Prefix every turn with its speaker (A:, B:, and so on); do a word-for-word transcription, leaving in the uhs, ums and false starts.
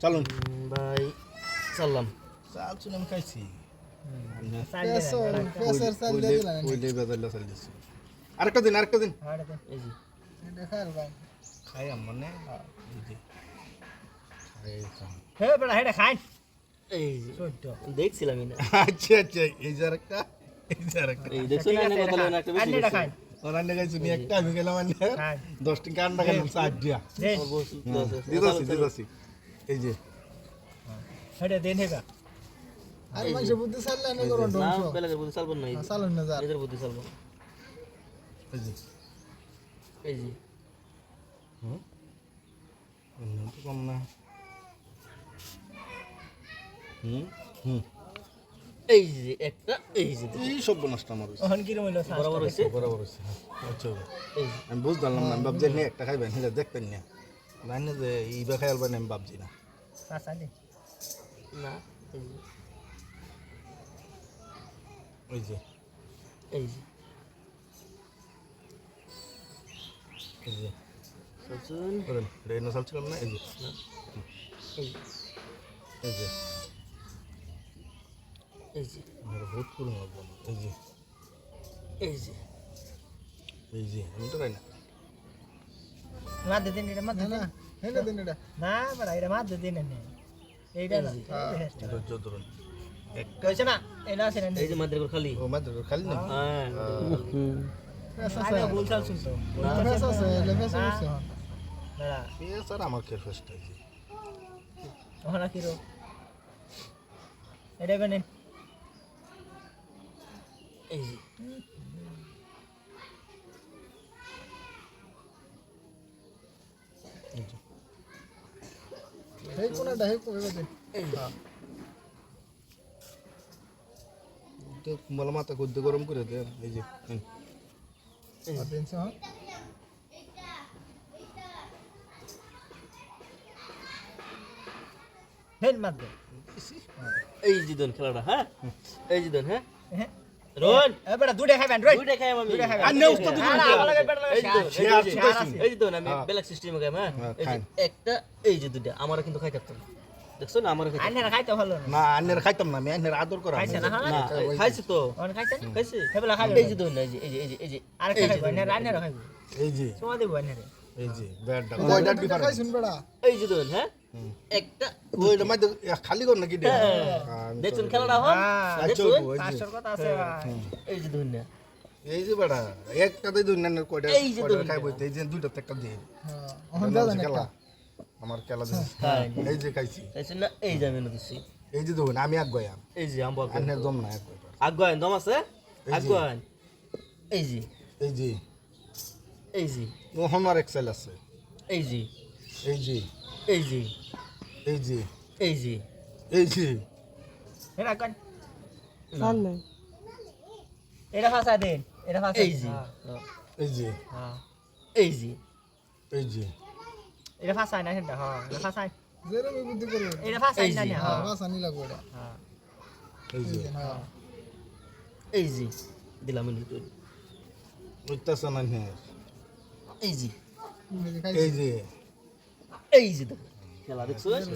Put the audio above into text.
A: চলুন
B: ভাই চললাম
A: চাল চুন আমি খাইছি
C: পেসার চাল দিয়ে দিলেন
A: ওইটাই বাজারটা চাল দিচ্ছি আরেকটা দিন আরেকটা দিন
B: এই যে
C: দেখার ভাই
A: খাই আমার না এই যে খাই খাম।
D: হে বেটা হেডা খাই
B: এই যে
D: সত্য
B: দেখছিলাম না
A: আচ্ছা আচ্ছা এই যে আরেকটা এই যে আরেকটা
B: এই দেখছো না এনে কথা বলেন একটা বেশি
D: আন্ডা খাই
A: ওরান্ডা খাইছি নি একটা আমি গেলাম আন্ডা
D: খাই
A: দশ টাকা আন্ডা খেলাম চার দিয়া
D: দে
A: দিদাসি দিদাসি এই যে
D: হেডা দেন হেবা
C: আর মাংস বুদ্ধি চাললে না করুন
B: না
C: ডংস
B: বেলাকে বুদ্ধি চালবো না এই যে
C: চালুন না যা
B: নিজের বুদ্ধি চালবো
A: এই যে
B: এই যে
A: হুম অন্য তো কম না হুম হুম
B: এই যে একটা এই যে
A: এই সব নষ্ট আমার হইছে
D: ওহন কি রইলো
B: বরাবর হইছে
A: বরাবর হইছে আচ্ছা
B: এই যে
A: আমি বুঝলাম না আমি ভাবছি নি একটা খাইবেন হিলা দেখতেন না জানি যে ইবা খাইল বানি আমি ভাবছি না
D: সাসা দে
B: না এই যে
A: ওই যে
B: এই যে
A: এই যে
B: সচুন
A: করেন রেনা চাল ছিলাম না এই যে
B: এই যে
A: এই যে
B: এই যে
A: আমার বহুত পুরনো লাগলো এই যে
B: এই যে
A: এই যে আমি তো খাই না
D: মা দে দিন এটা মা দে
C: না
D: দিন
C: হেলে দিন এটা
D: না বেটা এটা মা দে দিন নে এইটা না
A: ধৈর্য ধরুন একটা
D: কইছ না এটা আছে না
B: এই যে মাদের করে খালি
A: ও মাত্র খালি না
B: হ্যাঁ
C: পেসা
D: আরে বল চাল শুনছো
C: পেসা আছে লেভেসা আছে
D: বেটা
A: এ স্যার আমার খেয়ে ফার্স্ট আছে
D: ওহনা কি রো এটা বেনে
B: এই যে
C: হেই কোনটা হেই কই বাজে
B: এই যে
A: তো মালা মাথা গদ্দে গরম করে দে এই যে হুম।
C: আর দিন সহ
D: হেন মা দে
B: এই যে দন খেলাটা হ্যাঁ এই যে দন হ্যাঁ
D: হ্যাঁ
B: রোহন
D: এ বেটা দুইটা খাইবেন রই
B: দুইটা খাই আমি
D: দুইটা খাইবেন
A: আর নেও তো
D: আর আমার লাগে বেটা লাগে
B: এই যে দন,
A: সে আর
B: এই যে-
A: চুকাইছি।
B: এই যে দন আমি
A: হ্যাঁ।
B: ব্ল্যাক সিস্টেমে খাই হ্যাঁ
A: হ্যাঁ,
B: এই যে
A: খান।
B: একটা এই যে দুইটা আমারও কিন্তু খাই থাকতো না দেখছো না আমারও খাই
D: আইনারা খাইতে ভালো না
A: না আন্নের খাইতাম না আমি আন্নের আদর করা
D: খাইছে না হ্যাঁ
B: না খাইছি তো
D: ওহন খাইছে না
B: খাইছি
D: হেবলা খাইবে
B: এই যে দন এই যে এই যে এই যে এই যে
D: আর
B: এই যে
D: খাইবে
B: দন,
D: না আইনারা খাইবে
A: এই যে
D: সোয়া দেব আইনারে
A: এই যে ব্যাডটা কয়টা
C: খাই
A: ডিফারেন্স
C: শুন বেড়া
B: এই যে দন হ্যাঁ একটা
A: ওইটা মাইতে খালি কর নাকি দে
B: দেখছেন খেলাটা হন
D: হ্যাঁ
B: দেখছেন
D: পাঁচশোর কথা আছে ভাই
B: এই যে দন না
A: এই যে বেটা একটাতে দুই না কয়টা
B: এই যে
A: কয়টা
B: দুই
A: খাইবো এই যে দুইটা একটা দিয়ে
C: হ্যাঁ ওহন দাদা না
A: খেলা আমার খেলা দিছে
B: খাই
A: এই যে খাইছি
B: দেখছেন না এই যে আমি এনে দিচ্ছি
A: এই যে দেখুন আমি এক গয়াম
B: এই যে আম্বু আগুয়ান
A: আন্নের দম না এক গয়
B: আগুয়ান দম আছে
A: এই যে।
B: আগুয়ান এই যে
A: এই যে
B: এই যে
A: মোহন আর এক্সেল আছে
B: এই যে
A: এই যে
B: এই যে
A: এই যে
B: এই যে
A: এই যে
D: হেনা কোন
C: চাল নাই
D: এটা ফাসা দেন এটা ফাসা
B: এই যে
A: এই যে
D: হ্যাঁ
B: এই যে
A: এই যে
D: এটা ফাসা না হেনটা হ্যাঁ এটা ফাসা
C: জেরে আমি বুদ্ধি করব
D: এটা ফাসা
B: এই
D: না
B: যে,
D: হ্যাঁ
C: বাস আনি লাগবে এটা
D: হ্যাঁ
A: এই যে
C: হ্যাঁ
B: এই যে দিলাম এনে তুই
A: উঠতেছে না হ্যাঁ
B: এই যে
C: এই যে খাই
A: এই যে
B: এই যে দেখো খেলা দেখছো